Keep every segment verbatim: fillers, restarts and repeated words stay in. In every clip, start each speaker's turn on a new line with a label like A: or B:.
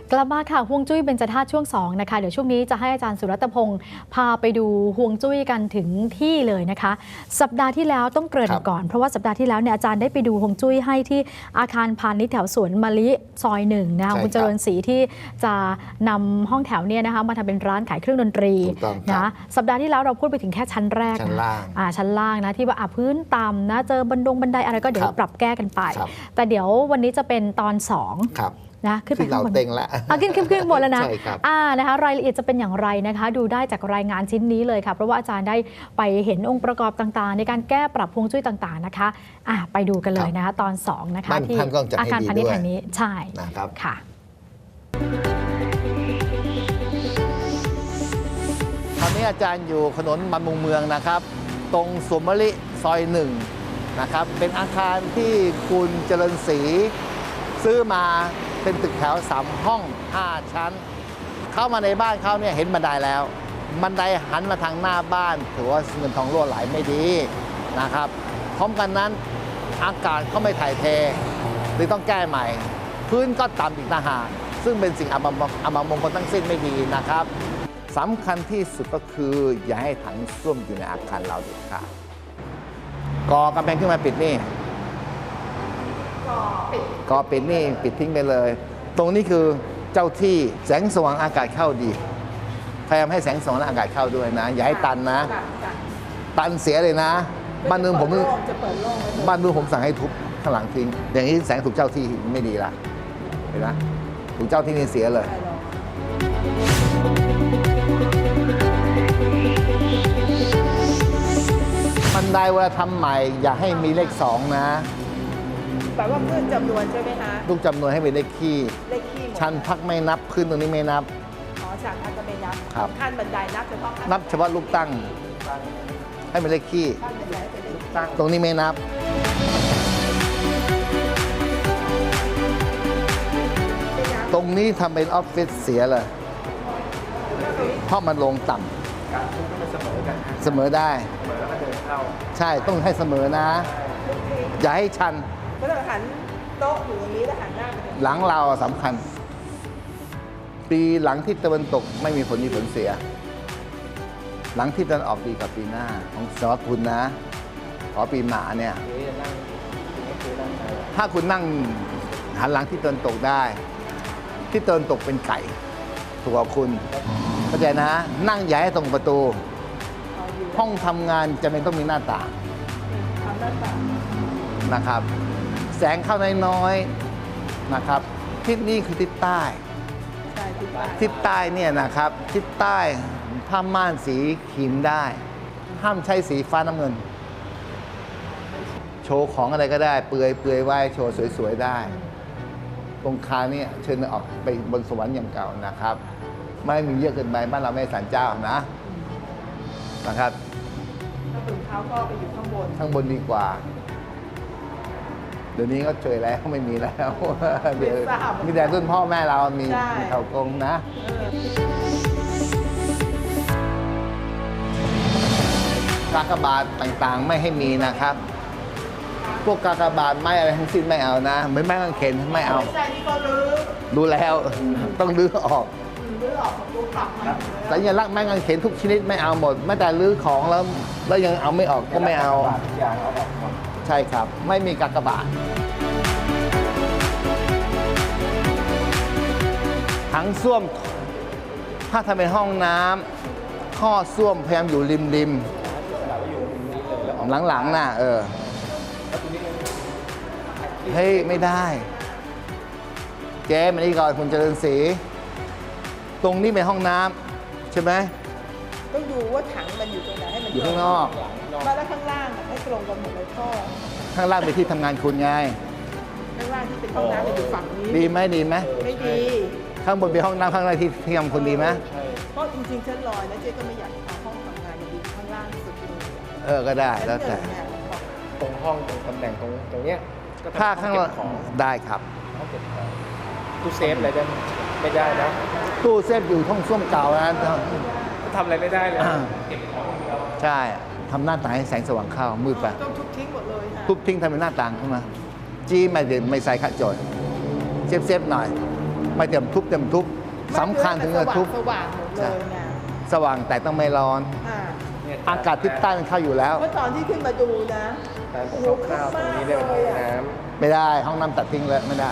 A: กลับมาค่ะฮวงจุ้ยเบญจธาตุช่วงสองนะคะเดี๋ยวช่วงนี้จะให้อาจารย์สุรัตพงศ์พาไปดูฮวงจุ้ยกันถึงที่เลยนะคะสัปดาห์ที่แล้วต้องเกริ่นก่อนเพราะว่าสัปดาห์ที่แล้วเนี่ยอาจารย์ได้ไปดูฮวงจุ้ยให้ที่อาคารพาณิชย์แถวสวนมะลิซอยหนึ่งนะคะคุณเจริญศรีที่จะนำห้องแถวเนี่ยนะคะมาทำเป็นร้านขายเครื่องดนตรีนะสัปดาห์ที่แล้วเราพูดไปถึงแค่ชั้นแรกชั้นล่างอ่าชั้นล่างนะที่ว่าพื้นต่ำนะเจอบันดงบันไดอะไรก็เดี๋ยวปรับแก้กันไปแต่เดี๋ยววันนี้จะเป็นตอนสองนะขึ้นไปข้างบนเต็งแล้วขึ้นขึ้นขึ้นบนแล้วนะอ่านะคะรายละเอียดจะเป็นอย่างไรนะคะดูได้จากรายงานชิ้นนี้เลยค่ะเพราะว่าอาจารย์ได้ไปเห็นองค์ประกอบต่างๆในการแก้ปรับฮวงจุ้ยต่างๆนะคะอ่าไปดูกันเลยนะคะตอนสองนะคะที่อาคารพาณิชย์แห่งนี้ใช่นะครับค่ะ
B: ตอนนี้อาจารย์อยู่ถนนบำรุงเมืองนะครับตรงสวนมะลิซอยหนึ่งนะครับเป็นอาคารที่คุณเจริญศรีซื้อมาเป็นตึกแถวสามห้องห้าชั้นเข้ามาในบ้านเขาเนี่ยเห็นบันไดแล้วบันไดหันมาทางหน้าบ้านถือว่าเงินทองรั่วไหลไม่ดีนะครับพร้อมกันนั้นอากาศก็ไม่ถ่ายเทเลยต้องแก้ใหม่พื้นก็ต่ำอีกต่างหากซึ่งเป็นสิ่งอัปมงคลทั้งสิ้นไม่ดีนะครับสำคัญที่สุดก็คืออย่าให้ถังส้วมอยู่ในอาคารเราเด็ดขาดก่อกำแพงขึ้นมาปิดนี่ก่อปิดนี่ปิดทิ้งไปเลยตรงนี้คือเจ้าที่แสงสว่างอากาศเข้าดีพยายามให้แสงสว่างอากาศเข้าด้วยนะอย่าให้ตันนะตันเสียเลยนะบ้านเมืองผมบ้านเมืองผมสั่งให้ทุบข้างหลังทิ้งอย่างนี้แสงถูกเจ้าที่ไม่ดีละเห็นไหมถูกเจ้าที่นี่เสียเลยบันไดเวลาทำใหม่อย่าให้มีเลขสองนะ
C: แปลว่าเพิ่มจำนวนใช่ไหมคะ
B: ลูกจำนวนให้เป็นเลขคี่
C: เลขคี่
B: ชั้นพักไม่นับขึ้นตรงนี้ไม่นับ
C: อ๋อชั้นพักก็ไม่นับ
B: ครับ
C: ขั้นบันไดนับเฉพาะ
B: นับเฉพาะลูกตั้งให้เป็นเลขคี่ตรงนี้ไม่นับตรงนี้ทำเป็นออฟฟิศเสียเลยเพราะมันลงต่ำการทุบต้องเสมอกันเสมอได้เสมอแล้วก็เดินเข้าใช่ต้องให้เสมอนะอย่าให้ชัน
C: ก็ต้องหันโต๊ะอยู่อย่างนี้แล้วหันหน้าไป
B: หลังเราสำคัญปีหลังที่ตะวันตกไม่มีผลดีผลเสียหลังที่ตะวันออกดีกับปีหน้าของสอคุณนะขอปีหมาเนี่ยถ้าคุณนั่งหันหลังที่ตะวันตกได้ที่ตะวันตกเป็นไก่ถูกกับคุณเข้าใจนะนั่งอย่าให้ตรงประตูห้องทำงานจะไม่ต้องมีหน้าต่างนะครับแสงเข้าน้อยๆนะครับทิศนี้คือทิศใต้ทิศใต้เนี่ยนะครับทิศใต้ผ้าม่านสีครีมได้ห้ามใช้สีฟ้าน้ำเงินโชว์ของอะไรก็ได้เปลือยเปลือยไว้โชว์สวยๆได้ตรงคาเนี่ยเชิญออกไปบนสวรรค์อย่างเก่านะครับไม่มีเยอะเกินไปบ้านเราไม่ศาลเจ้านะนะครับ
C: ถ้าถึงเท้าก็ไปอยู่ข้างบน
B: ข้างบนดีกว่าเดี๋ยวนี้ก็เฉยแล้วไม่มีแล้วเดี๋ยวมีแต่รุ่นพ่อแม่เรามีมีเถากงนะกากบาทต่างๆไม่ให้มีนะครับพวกกากบาทไม้อะไรทั้งสิ้นไม่เอานะเหมือนไม้กางเขนไม่เอาดูแล้วต้องรื้อออกสัญลักษณ์ไม้กางเขนทุกชนิดไม่เอาหมดแม้แต่รื้อของแล้วแล้วยังเอาไม่ออกก็ไม่เอาใช่ครับไม่มีกากบาทถังส้วมถ้าทำเป็นห้องน้ำท่อส้วมพยายามอยู่ริมริมหลังๆน่ะเออเฮ้ยไม่ได้เจ๊มานี่ก่อนคุณเจริญศรีตรงนี้เป็นห้องน้ำใช่ไหม
C: ต้องดูว่าถังมันอยู่ตรงไหนให้มัน
B: อยู่ข้างนอก
C: มาแล้วข้างล่างให้ตรงกันหมดเลยท่อ
B: ข้างล่างเป็นที่ทำงานคุณไง
C: ข้างล่างที่เป็นห้องน้ำอยู่ฝั่งนี้
B: ดีไหมดีไหม
C: ไม่ดี
B: ข้างบนเป็นห้องน้ำข้างล่างที่ที่ทำคุณดีไหม
C: เพราะจริงๆชั้นลอยนะเจ๊ก็ไม่อยากเอาห้องทำงานมาดีข้างล่างสุดเลย
B: เออก็ได้แล้วแต่
D: ตรงห้องตรงตำแหน่งตรงตรงเนี้ย
B: ถ้าข้างล่างได้ครับ
D: ห้องเก็บของตู้เซฟอะไรได้ไม่ได้นะ
B: ตู้เซฟอยู่ห้องส้วมเก่านะ
D: ทำอะไรไม่ได้เลย
B: ใช่ทำหน้าต่างให้แสงสว่างเข้ามืดไป
C: ต้องทุบทิ้งหมดเลย
B: ทุบทิ้งทำเป็นหน้าต่างขึ้นมาจี้ไม่เดินไม่ใส่ขัดจอยเซฟเซฟหน่อยไม่เต็มทุบเต็มทุบสำคัญถึงจะทุบ
C: สว่างๆหมดเลยไง
B: สว่างแต่ต้องไม่ร้อน
C: อ่า
D: เนี่ย
B: อากาศทิศใต้มันเข้าอยู่แล้ว
C: เพราะตอนที่ขึ้นมาดูนะ
D: ตาม
C: โอ้โห
D: คร่าวๆตรงนี้ได้เป็นห้องน้
B: ไม่ได้ห้องน้ำตัดทิ้งแล้วไม่ได้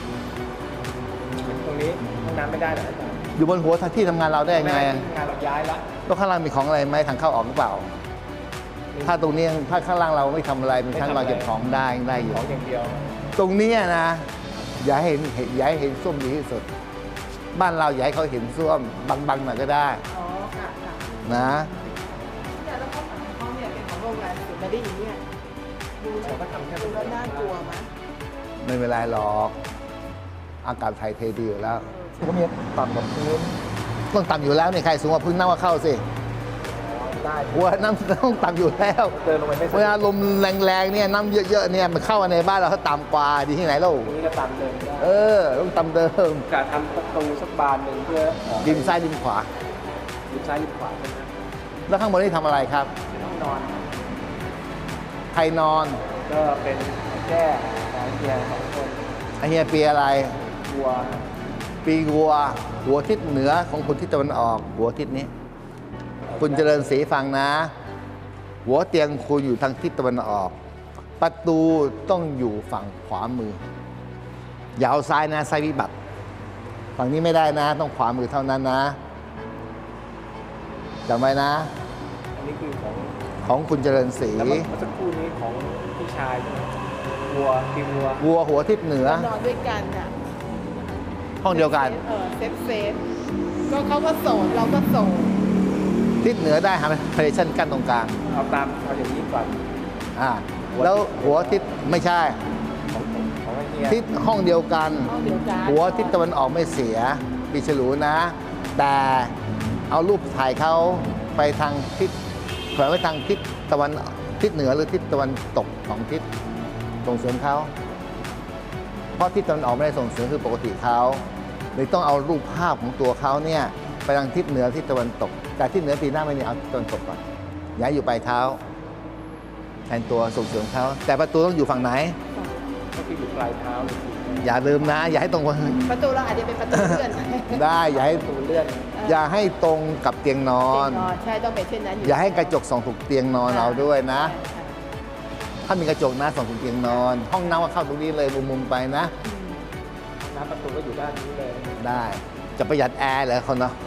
D: ำตรงนี้ห้องน้ำไม่ได้เหรออาจารย์
B: อยู่บนหัวที่ทำงานเราได้ยังไง
D: งานเราย้ายละ
B: แล้วข้างล่างมีของอะไรไหมทางเข้าออกหรือเปล่า ถ้าตรงนี้ถ้าข้างล่างเราไม่ทำอะไรเป็นชั้นวางเก็บของได้ได้อยู่
D: ของอย่างเดียว
B: ตรงเนี้ยนะอย่าให้เห็นอย่าให้เห็นส้วมดีที่สุด บ้านเราอย่าให้เขาเห็นส้วมบังๆหน่อยก็ได้
C: อ๋อค่ะค่ะ
B: นะ
C: เนี่ยแล้วห้องของเขาเนี่ยเป็นของโรงแรมสุดมาได้อย่างเนี้ยดูแล้ว
D: เราก็ทำแค่
C: ดูแล้วน่ากลัวไหม
B: ไม่เป็นไรหรอกอากาศไทยเทดีอยู่แล้วก็มีต่ำกว่าพื้นต้องต่ำอยู่แล้วนี่ใครสูงกว่าพื้นน้ำก็เข้าสิ
D: ได้
B: หัวน้ำต้องต่ำอยู่แล้ว
D: เดินลงไปไม่
B: เวลาลมแรงๆเนี่ยน้ำเยอะๆเนี่ยมันเข้ามาในบ้านเราเขาต่ำกว่าดีที่ไหนเล่า
D: ตรงนี้ก็ตามเดินได้
B: เออต้องต่ำเดิม
D: กะทำประตูสักบานหนึ่งเพื่อออก
B: ดินซ้ายดินขวา
D: ริมซ้ายริมขวาใช่ไหม
B: แล้วข้างบนนี่ทำอะไรครับ
D: เป็นห้องนอน
B: ใครนอน
D: ก็เป็นแก้สายเกียร์สองคน
B: ไอเฮียปีอะไร
D: วัว
B: ปีวัว หัวทิศเหนือของคุณทิศตะวันออก หัวทิศนี้ คุณเจริญศรีฟังนะ หัวเตียงคุณอยู่ทางทิศตะวันออก ประตูต้องอยู่ฝั่งขวามืออย่าเอาซ้ายนะซ้ายวิบัติ ฝั่งนี้ไม่ได้นะ ต้องขวามือเท่านั้นนะจำไว้นะ
D: อันนี้คือของ
B: ของคุณเจริญศรี
D: แล้วเมื่อสักครู่นี้ของพี่ชายใช่ไหมวัวปีวัว
B: วัวหัวทิศเหนือ
C: นอนด้วยกันอ่ะ
B: ห้องเดียวกัน
C: เออเซฟเซฟก็เขาก็โสดเราก็โสด
B: ทิศเหนือได้ฮะเพลชั่นกั้นตรงกลาง
D: เอาตามเอาอย่างนี้ก่อน
B: อ่าแล้วหัวทิศไม่ใช่
D: ของของไอ้เฮีย
B: ทิศห้องเดียวกัน
C: ห้องเดียวกัน
B: หัวทิศตะวันออกไม่เสียปีฉลูนะ แต่เอารูปถ่ายเขาไปทางทิศแขวนไว้ทางทิศตะวันทิศเหนือหรือทิศตะวันตกของทิศส่งเสริมเขาเพราะทิศตะวันออกไม่ได้ส่งเสริมคือปกติเขาเลยต้องเอารูปภาพของตัวเขาเนี่ยไปทางทิศเหนือทิศตะวันตก แต่ทิศเหนือปีหน้าไม่นี่เอาทิศตะวันตกก่อนย้ายอยู่ปลายเท้าแทนตัวส่งเสริมเขาแต่ประตูต้องอยู่ฝั่งไหน
D: ก็คืออยู่ปลายเท้าเลยคือ
B: อย่าลืมนะ อย่าให้ตรง
C: ประตูเราอาจจะเป็นประตูเลื่อน
B: ได้อย่าให้
D: ประตูเลื่อน
B: อย่าให้ตรงกับเตียงนอ
C: เตีย
B: น
C: งนอนใช่ต้องเป็นเช่นนั้นอยู่
B: อย่าให้กระจกส่องถูกเตียงนอนเราด้วยนะ
C: ใช่
B: ถ้ามีกระจกนะส่องถูกเตียงนอน ห้องน้ำก็เข้าตรงนี้เลยมุมๆไปนะ
C: อืม
D: น้ำประตูก็อยู่ด้านนี้เลย
B: ได้จะประหยัดแอร์เหรอคนเนาะ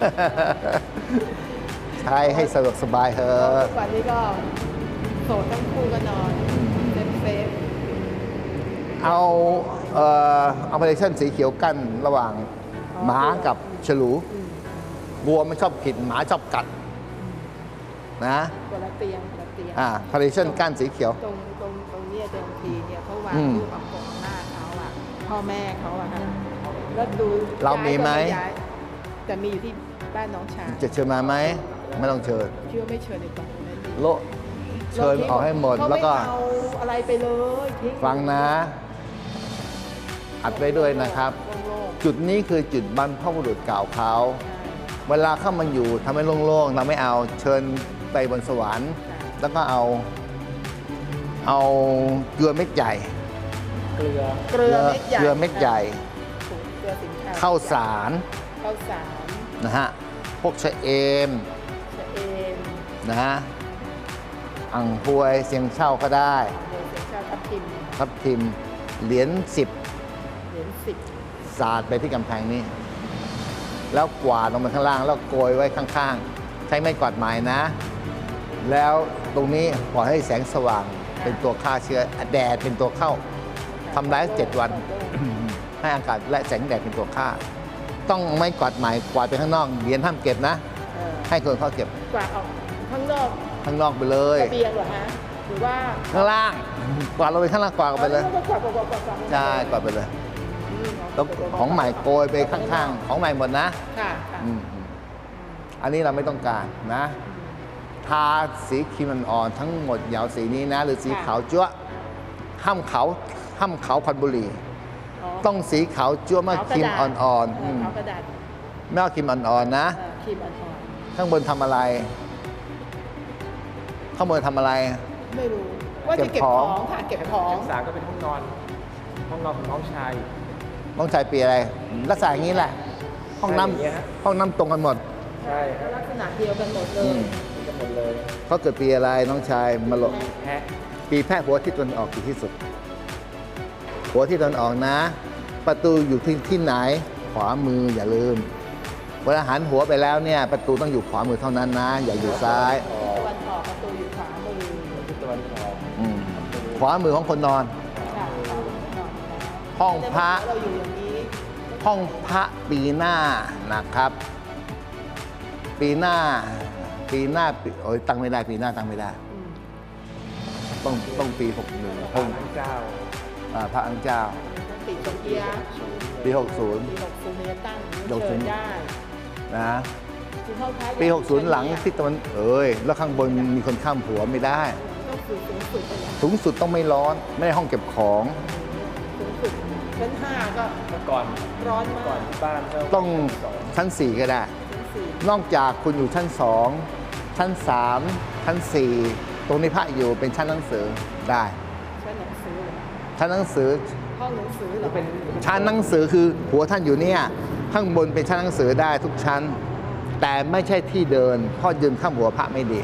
B: ใช้ให้สะดวกสบายเถอะ
C: ทุกวันนี้ก็โสดทั้งคู่ก็นอนเซฟเซฟ
B: เอาเอ่อเอาพาร์ติชันสีเขียวกั้นระหว่างหมากับฉลู
C: อืม
B: วัวมันชอบขิดหมาชอบกัดนะ
C: คนละเตียงคนละเตียง
B: อ่าพาร์ติชันกั้นสีเขียว
C: ตรงตรงตรงเนี้ยเดิมทีเนี่ยเขาวาง
B: อืม
C: รูปอากงอาม่าเขาอะพ่อแม่เขาอะฮะแล้วดู
B: เรามีไหม
C: ย้ยก็ย้ายแต่มีอยู่ที่บ้านน้องชาย
B: จะเชิญมาไหมไม่ต้องเชิญ
C: คิดว่าไม่เชิญดีกว่านั้นดี
B: โละเชิญออกให้หมด
C: เขา
B: แล้วก็
C: ไม่เอาอะไรไปเลยทิ้
B: ฟังนะ อัดไว้ด้วยนะครับ
C: โล่ง
B: จุดนี้คือจุดบรรพบุรุษเก่าเขา
C: ๆ
B: เวลาเข้ามาอยู่ทำให้โล่งๆ เราไม่เอาเชิญไปบนสวรรค์
C: ใช่
B: แล้วก็เอา เอาเกลือเม็ดใหญ่
D: เกลือ
C: เกลือเม็ดใหญ่
B: เกลือเม็ดใหญ่
C: เกลือสินค้า
B: ข้าวสาร
C: ข้าวสาร
B: นะฮะ พวกชะเอม
C: ชะเอม
B: นะฮะ อ่างพวยเสียงเช่าก็ได้
C: เดี๋ยวเสียงชาทับทิม
B: ทับทิม เหรียญสิบ
C: เหรียญสิบ
B: สาดไปที่กำแพงนี้ แล้วกวาดลงไปข้างล่าง แล้วโกยไว้ข้างๆ ใช้ไม้กวาดไม้นะ แล้วตรงนี้ปล่อยให้แสงสว่างเป็นตัวฆ่าเชื้อแดดเป็นตัวเข้าทำได้เจ็ดวัน ให้อากาศและแสงแดดเป็นตัวฆ่า ต้องไม้กวาดไม้กวาดไปข้างนอกเหรียญห้ามเก็บนะ
C: เออ
B: ให้คนเขาเก็บ
C: กวาดออกข้างนอก
B: ข้างนอกไปเลย
C: ระเบียงเหรอฮะหรือว่า
B: ข้างล่าง กวาดลงไปข้างล่างกวาดออกไปเลย
C: อ๋อกวาดกวาดกวาดกวาดกวาด
B: ใช่กวาดไปเลย
C: อืม
B: แล้วของใหม่โกยไปข้างๆ ของใหม่หมดนะ
C: ค่ะค่ะ
B: อืมอันนี้เราไม่ต้องการนะ ทาสีครีมอ่อนๆทั้งหมดอยาวสีนี้นะ หรือสีขาวจั๊วะห้ามขาวห้ามขาวควันบุหรี่ ต้องสีขาวจั๊วะมากครีมอ่อนๆ
C: เอ
B: อื
C: อ
B: ม
C: ขาวกระดาษ
B: ไม่เอาครีมอ่อนๆนะ
C: เออครีมอ่อน
B: ข้างบนทำอะไร ข้างบนทำอะไร
C: ๆไม่รู้ว่าจะ
B: เก็
C: เก็
B: บบ ข
C: ข
B: อ
C: อง งค่ะเก็บของ
D: ชั้นสามก็เป็นห้องนอน ห้องนอนของน้องชาย
B: โน้องชายปีอะไรลักษณะอย่างนี้แหละห้องน้
D: ใช่อย่างเงี้ยฮะ
B: ำห้องน้ำตรงกันหมด
D: ใช่ครับ
C: ลักษณะเดียวกันหมดเล
B: อื
C: ย
B: ม
D: มีกันหมดเลย
B: เขาเกิดปีอะไรน้องชายมาโล
D: แพะ
B: ปีแพะหัวที่ตะวันออกดีที่สุด หัวที่ตะวันออกนะ ประตูอยู่ที่ที่ไหนขวามืออย่าลืมเวลาหันหัวไปแล้วเนี่ยประตูต้องอยู่ขวามือเท่านั้นนะ อย่าอยู่ซ้าย
D: ออ
C: ตะวันออกประตูอยู่ขวามือ
D: ทิศตะวันออก
B: อืมขวามือของคนนอน
C: ค่ะขวามือนอน
B: ห้องพระ
C: เราอยู่อย่างนี้
B: ห้องพระปีหน้านะครับ ปีหน้า ปีหน้าปีโอ้ยตั้งไม่ได้ปีหน้าตั้งไม่ได้
C: อืม
B: ต้องต้องปีหกหนึ่ง
D: พระอังเจ้า
B: พระอังเจ้า
C: ปีสองเกียร์
B: ปีหกศูนย์
C: ปีหกศูนย์เนี่ยตั้ง
B: หกศู
C: เชิ
B: นย์
C: ญได้
B: นะ
C: คือเข้าท้าย
B: ปีหกศูนย์หลังทิศตะวันเอ้ยแล้วข้างบนมีคนข้ามหัวไม่ได้
C: ต้องสูงสูงสุดไปอย่าง
B: สูงสุดต้องไม่ร้อน ไม่ได้ห้องเก็บของ
C: สูงสุดชั้นห้าก็
D: เมื่อก่อน
C: ร้อน
D: เมื่อ
C: มา
D: ก่อน
C: ก
D: ที่บ้านก็
B: ต้อง
D: สอง
B: ชั้นสี่ก็ได้
C: ชั้นสี่
B: นอกจากคุณอยู่ชั้นสองชั้นสามชั้นสี่ตรงนี้พระอยู่เป็นชั้นหนังสือได้
C: ชั้นหนังสือเหรอ
B: ชั้นหนังสือ
C: ห้องหนังสือเหร
D: จะ
C: อ
D: เป็น
B: ชั้นหนังสือคือหัวท่านอยู่เนี่ยข้างบนเป็นชั้นหนังสือได้ทุกชั้น แต่ไม่ใช่ที่เดินเพราะยืนข้ามหัวพระไม่ดี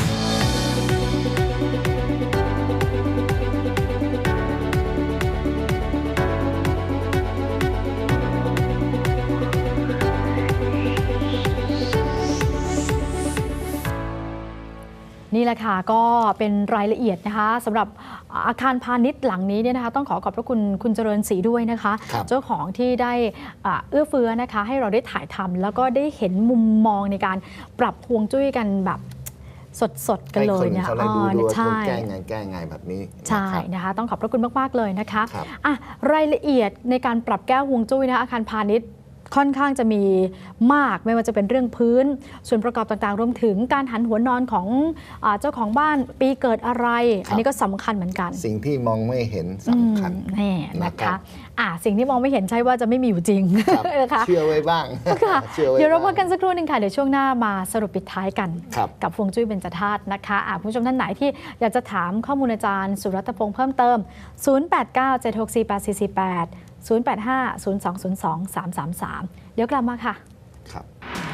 A: นี่แหละค่ะก็เป็นรายละเอียดนะคะสำหรับอาคารพาณิชย์หลังนี้เนี่ยนะคะต้องขอขอบพระคุณคุณเจริญศรีด้วยนะคะ
B: ครับ
A: เจ้าของที่ได้อ่าเอื้อเฟื้อนะคะให้เราได้ถ่ายทำแล้วก็ได้เห็นมุมมองในการปรับฮวงจุ้ยกันแบบสดๆกันเลย
B: ให้
A: เนี่ย
B: เขาได้ดู
A: อ๋อ
B: ดูว่า
A: ใช่
B: ต้องแก้ไงแก้ไงแบบนี้
A: ใช่
B: นะครับ
A: นะคะต้องขอบพระคุณมาก ๆ เลยนะคะ
B: ครับ
A: อ่ะรายละเอียดในการปรับแก้ฮวงจุ้ยนะคะอาคารพาณิชย์ค่อนข้างจะมีมากไม่ว่าจะเป็นเรื่องพื้น ส่วนประกอบต่างๆ รวมถึงการหันหัวนอนของอาเจ้าของบ้านปีเกิดอะไร อันนี้ก็สำคัญเหมือนกัน
B: สิ่งที่มองไม่เห็นสำคัญ
A: อืมแน่นะ
B: นะครั
A: คะ
B: บ
A: อ่ะสิ่งที่มองไม่เห็นใช่ว่าจะไม่มีอยู่จริง
B: ครับ
A: นะคะ
B: เชื่อไว้บ้าง
A: ค่ะ
B: เชื่อไว้
A: เดี๋ยวเราพั
B: บ้าก ง
A: กันสักครู่หนึ่งค่ะเดี๋ยวช่วงหน้ามาสรุปปิดท้ายกัน
B: ครับ
A: กับฮวงจุ้ยเบญจธาตุนะคะอ่ะคุณผู้ชมท่านไหนที่อยากจะถามข้อมูลอาจารย์สุรัตน์พงษ์เพิ่มเติม ศูนย์ แปด เก้า เจ็ด หก สี่ แปด สี่ สี่ แปด ศูนย์ แปด ห้า ศูนย์ สอง ศูนย์ สอง สาม สาม สาม เดี๋ยวกลับมาค่ะ
B: ครับ